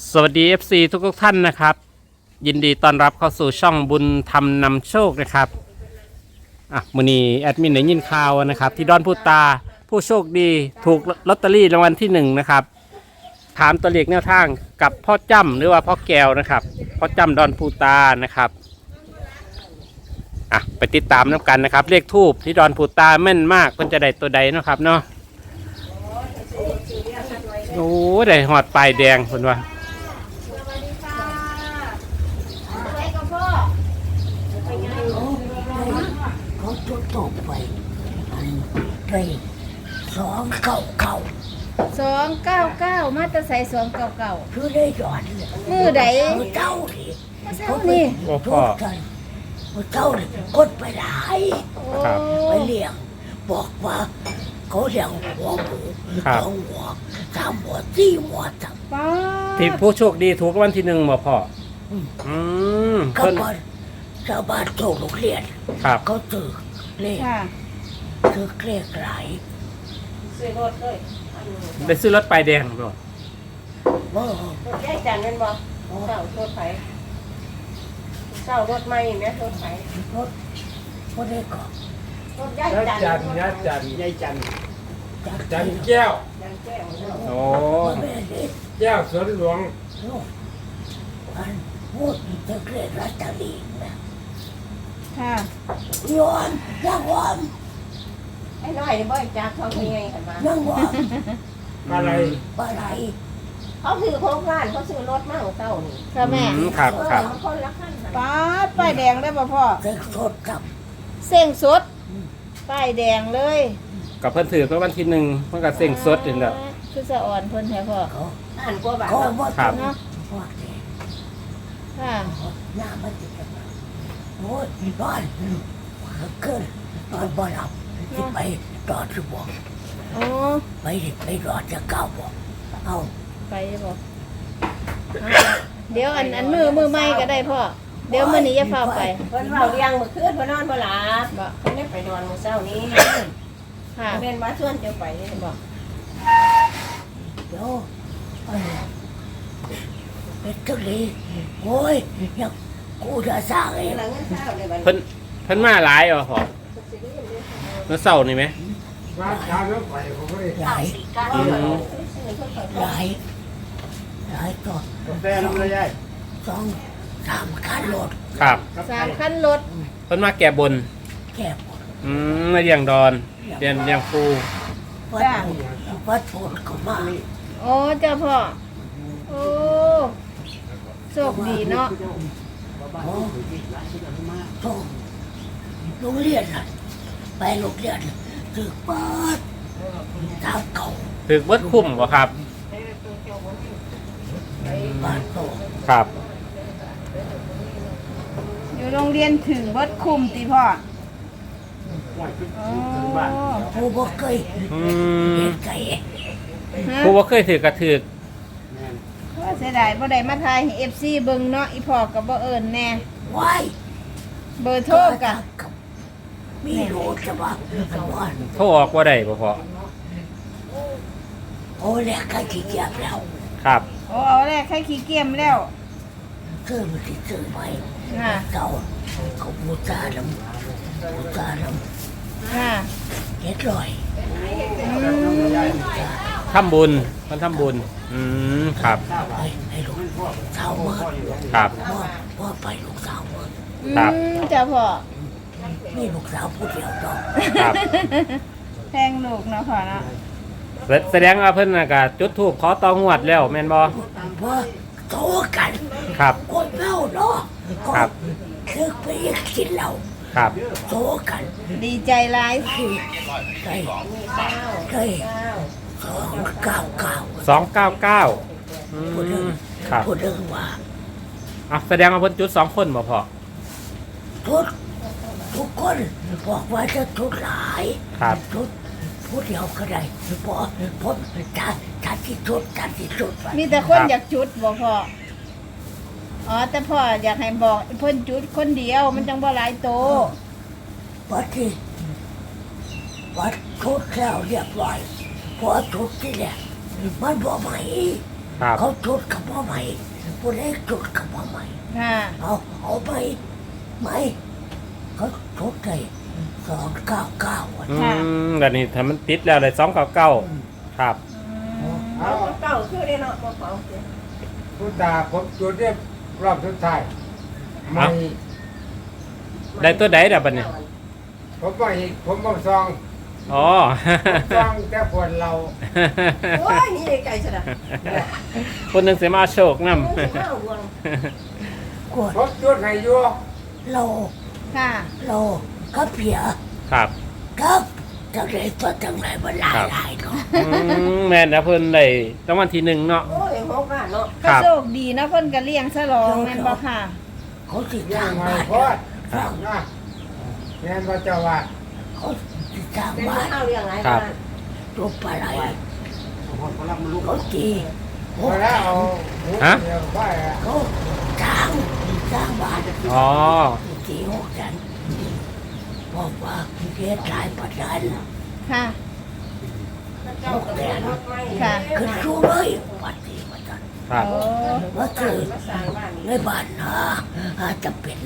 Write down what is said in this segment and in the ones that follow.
สวัสดี FC ทุกท่านนะครับยินดีต้อนรับเข้าสู่ช่องบุญธรรมนำโชคนะครับมื้อนี้แอดมินได้ยินข่าวนะครับที่ดอนพูตาผู้โชคดีถูกลอตเตอรี่รางวัลที่1นะครับถามตัวเลขแนวทางกับพ่อจ้ำหรือว่าพ่อแก้วนะครับพ่อจ้ำดอนพูตานะครับไปติดตามน้ำกันนะครับเลขทูบที่ดอนพูตาแม่นมากเพิ่นจะได้ตัวใดนะครับเนาะโอ้ได้หอดปลายแดงเพิ่นว่าเขาจุดตกไปไป 299มาตะไซ299 คือได้หยอดเลยมือใดมือเจ้าดิมาเช้านี่โอ้ทุพ่อกกันมือเจ้าดิกดไปหลายโอ้ครับไปเลี้ยงบอกว่าเขาเลี้ยงหัวหมูครับสองหัวสามหัวสี่หัวจังป้าที่ผู้โชคดีถูกรางวัลที่1บ่พ่อก็เพิ่นพอชาวบ้านโจกโรงเรียนครับเขาถือเลขค่ะถือเลขหลายได้ซื้อรถปลายแดงบ่โอ้รถย้ายจันทร์แม่นบ่เศร้ารถไฟเศร้ารถใหม่แม่รถไฟรถพอได้ก่อนรถย้ายจันทร์ยายจันยายจันจากจันแก้วจันทร์แก้วโอ้แม่เด็กแก้วสวนหลวงลูกอันพูดจะเกลียดรัตลีนะค่ะยอนยังวอมไอ้น้อยนี่บ่จักเขาเป็นไงกันมายังวอมอะไรปลาไหลเขาซื้อโครงการเขาซื้อรถมาของเต้านี่ค่ะแม่ครับครับมันคนละคันน่ะป้าป้ายแดงได้ป่ะพ่อเด็กสดกับเส้งสดป้ายแดงเลยกับเพิ่นถือรางวัลที่1เพิ่นก็เซ็งสดนี่แหละคือสะอ่อนเพิ่นแท้พ่อเขาอ่านกว่าบาทเขาเนาะว่าครับเนาะว่าเด็กค่ะหน้ามันติดกันมาโอ้ยนอนเกินนอนบ่หลับที่ไปรอดที่บอกอ๋อไปรอดจะก้าวบอกเอาไปบ่เดี๋ยวอันมือใหม่ก็ได้พ่อเดี๋ยวมื้อนี้อย่าเฝ้าไปเพิ่นเว้าเลี้ยงมื้อคืนเพิ่นนอนบ่หลับบ่เพิ่นได้ไปนอนมื้อเช้านี้ค่ะแม่นมาชวนเจ้าไปนี่บ่เดี๋ยวเป็นทุลีโอ้ยยังกูจะสร้างเองหลังเงินเช้าเลยบัดนี้เพิ่นมาหลายพ่อเมื่อเช้านี่ไหมมาเช้าแล้วไปผมก็เลยหลายอืมหลายตัวแฟนเลยยายสองสามคันรถครับ 3คันรถเพิ่นมาแก่บนแก้หมดมาเลี้ยงดอนเลี้ยงปูวัดโพดก็มาโอ้เจ้าพ่อโอ้โชคดีเนาะโอ้โตโรงเรียนน่ะไปโรงเรียนถึกเปิดทางเก่าถือเบิดคุ้มบ่ครับบ้านโตครับอยู่โรงเรียนถึงเบิดคุมติพ่ออ๋อผู้บ่เคยอืเห็มนไก่ฮะผู้บ่เคยถือกระถือว่าเสียดายบ่ได้มาทายให้ FC เบิ่งเนาะอีพ่อก็บ่เอิ้นแน่ไว้เบอร์โทรกะมีรู้จะว่าวันโทรออกบ่ได้บ่พ่อโอ้แลกกันขี้เกียจแล้วครับโอ้เอาแรกให้ขี้เกียจแล้วซื้อมันที่ซื้อไปค่ะเก่าเขาบูชาลำค่ะเฮ็ดลอยทำบุญเพิ่นทำบุญครับให้ลูกสาวเมื่อครับว่าไปลูกสาวเมื่อครับจ้าพ่อนี่ลูกสาวผู้เดียวดอกครับแพงลูกเนาะพ่อเนาะแสดงว่าเพิ่นน่ะก็จุดธูปขอต่องวดแล้วแม่นบ่ว่าโตกันครับคนเล่าเนาะครับคือไปกินเหล้าครับโตกันดีใจหลายคือเคยเคย299 299 พูดถึงครับพูดถึงว่าแสดงว่าเพิ่นจุด2คนบ่พ่อทุกคนบอกว่าจะทุกหลายครับทุกพูดเดียวก็ได้เพราะผมจัดที่สุดไปมีแต่คนอยากจุดบ่พ่ออ๋อแต่พ่ออยากให้บอกเพิ่นจุดคนเดียวมันจังบ่หลายโตวัดทุกแล้วเรียบร้อยพอทุกที่เนี่ยมันบอกไหมครับเขาจุดกับพ่อใหม่ผู้เล็กจุดกับพ่อใหม่ค่ะเอาไปไหมเขาจุดได้299วันอืมแบบนี้ถ้ามันติดแล้วเลย299ครับเอาเก่าคือได้เนาะบ่เก่าผู้ตาผมจุดเนี่ยรอบสุดท้ายไม่ได้ตัวใดดับบัดนี้ผมบ่ซองอ๋อซองแต่ปวดเราโอ้ยนี่ไก่ซะนะคนหนึ่งเสียมาโชคสินำมาห่วงกดผมจุดให้อยู่โลค่ะโลกับเพียครับกับจังไรตัวจังไรมันหลายหลายเนาะแม่นนะเพิ่นได้รางวัลที่1เนาะโอ้ย6ล้านเนาะครัก็บโชคดีนะเพิ่นก็เลี้ยงฉลองแม่นบ่ค่ะเขาติดยัทาง งไงบ้านพอดนะแม่นว่าเจ้าว่าเขาติดทางเป็นบ้านข้าวเลี้ยงหลายครับบ้านตัวปลาไหลเขาตีโอ้พอแล้วเอาหมูเดียวไปอะเขาทางบ้านอ๋อตี6 จันบอกว่าเฮ็ดหลายประดันค่ะเจ้าก็เป็นรถไม้ค่ะขึ้นสู้เลยปัดตีประดันครับโอ้ว่าคือมาสร้างบ้านในบ้านนะอาจจะเป็น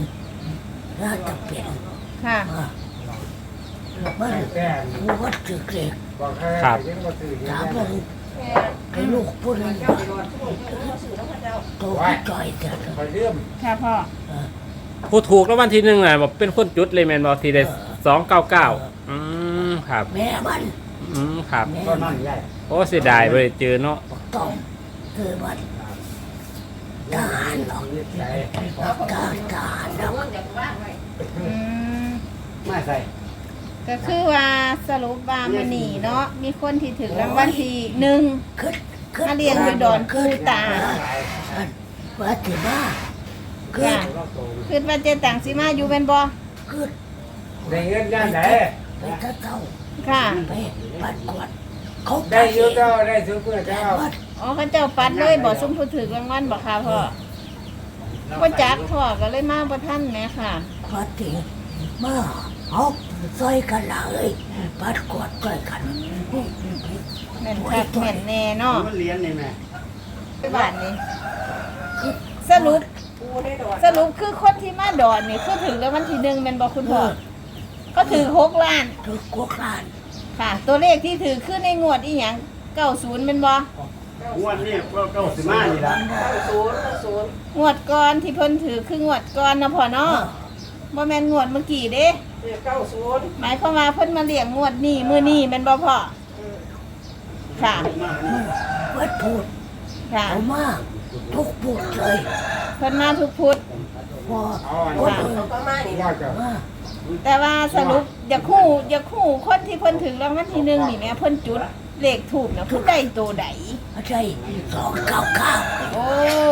ค่ะมันแต่ผู้วัดจึกเล็กบอกให้ยังบ่ซื้อถามเลว่าย ไอ้ลูกพูดอะไรเจ้าสิรอดทุกคนเจ้าก็ซื้อแล้วเจ้าโตไม่จ่อยแต่ไปเรื่มค่ะพ่อผู้ถูกรางวัลที่1น่ะบอกเป็นคนจุดเลยแม่นบ่ที่ได้299ครับแม่มันครับแม่ก็มันั่นนใหญ่โอ้เสียดายบ่ได้เจอเนาะต้องคือมันทหารหรอกใส่ทหารหรอกเงินจากบ้านไว้อืมไม่ใส่ก็คือว่าสรุปว่ามื้อนี้เนาะมีคนที่ถึงรางวัลที่1 ขึ้นมาเรียนอยู่ดอนคูตาว่าถือว่าขึ้นคิดว่าเจตังสิมาอยู่แม่นบ่ขึ้นได้เงินย่านไหนไปถ้าเท่าค่ะไปปัดกวดเขาได้อยู่เจ้าได้ซื้อเพื่อแต่เจ้าว่าอ๋อเขาเจ้าปัดเลยบ่ซุมผู้ถึกรางวัลบ่ค่ะพ่อบ่จักพ่อก็เลยมาบ่ทันแหมค่ะว่าถึงมาเอาซอยกันเลยปัดกวดซอยกันแม่นคักแม่นแน่เนาะมันเรียนนี่แม่ไปบ้านนี้สรุปปูได้ดอกสรุปคือคนที่มาดอนนี่คือถึงรางวัลที่1แม่นบ่คุณพ่อก็ถือ6ล้านถือกวกลานค่ะ ตัวเลขที่ถือขึ้นในงวดอีหยัง90เป็นบ่งวดนี้ก็95นี่ล่ะ 90 งวดก่อนที่เพิ่นถือคืองวดก่อนนะพ่อเนาะบ่แม่นงวดเมื่อกี้เด้ 90 หมายความว่าเพิ่นมาเลี้ยงงวดนี้มื้อนี้แม่นบ่พ่อค่ะวัดพูดค่ะเอามาทุกพูดเลยเพิ่นมาทุกพุธพอเอาอันคนนี้อื่นเขาก็มานี่ว่านะจะมาแต่ว่าสรุปอย่าคู่คนที่เพิ่นถึงรางวัลที่1นี่แหม่เพิ่นจุดเลขถูกนะผู้ใดตัวใดไม่ใช่299 โอ้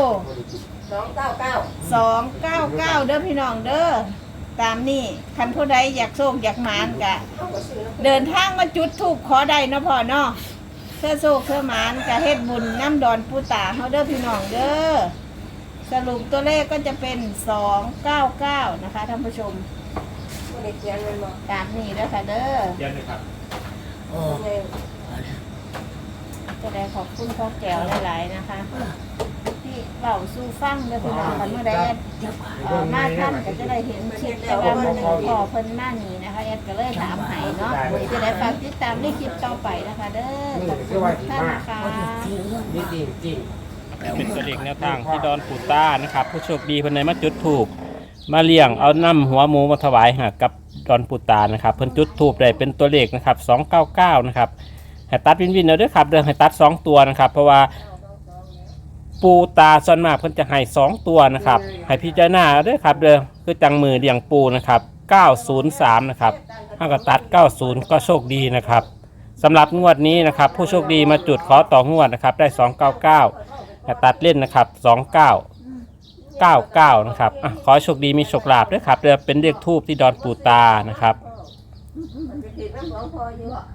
299 299เด้อพี่น้องเด้อตามนี่คันผู้ใดอยากโชคอยากหมานกะเขาก็ซื้อแล้วเดินทางมาจุดถูกขอได้เนาะพ่อเนาะเพื่อโชคเพื่อหมานกะเฮ็ดบุญน้ำดอนปูตาเฮาเด้อพี่น้องเด้อสรุปตัวเลขก็จะเป็น299นะคะท่านผู้ชมบ่ได้เขียนมันบ่ตามนี้เด้อค่ะเด้อเดี๋ยวนะครับโอ้ไงจะได้ขอบคุณพ่อแก้วหลายๆนะคะ ที่เบาสู้ฟังเด้อพี่น้องคันเมื่อใดแอดมาท่านก็จะได้เห็นคลิปแต่ว่ามันขอเพิ่นมานี่นะคะแอดก็เลยถามให้เนาะจะได้ฝากติดตามในคลิปต่อไปนะคะเด้อขอบคุณทุกท่านนะคะนี่จริงจริงเป็นตัวเลขแนวทางที่ดอนปูต้านะครับผู้โชคดีเพิ่นได้มาจุดถูกมาเลี้ยงเอาน้ำหัวหมูมาถวายหากับดอนปูตานะครับเพิ่นจุดถูกได้เป็นตัวเลขนะครับ299นะครับให้ตัดวินเอาด้วยครับเด้อให้ตัด2ตัวนะครับเพราะว่าปูตาส่วนมากเพิ่นจะให้2ตัวนะครับให้พิจารณาด้วยครับเด้อคือจังมือเลี้ยงปูนะครับ903นะครับถ้าก็ตัด90ก็โชคดีนะครับสำหรับงวดนี้นะครับผู้โชคดีมาจุดขอต่องวดนะครับได้299ให้ตัดเล่นนะครับ2999นะครับขอให้โชคดีมีโชคลาภด้วยครับเด้อเป็นเลขทูปที่ดอนปูตานะครับติดน้ำหลวงพ่ออยู่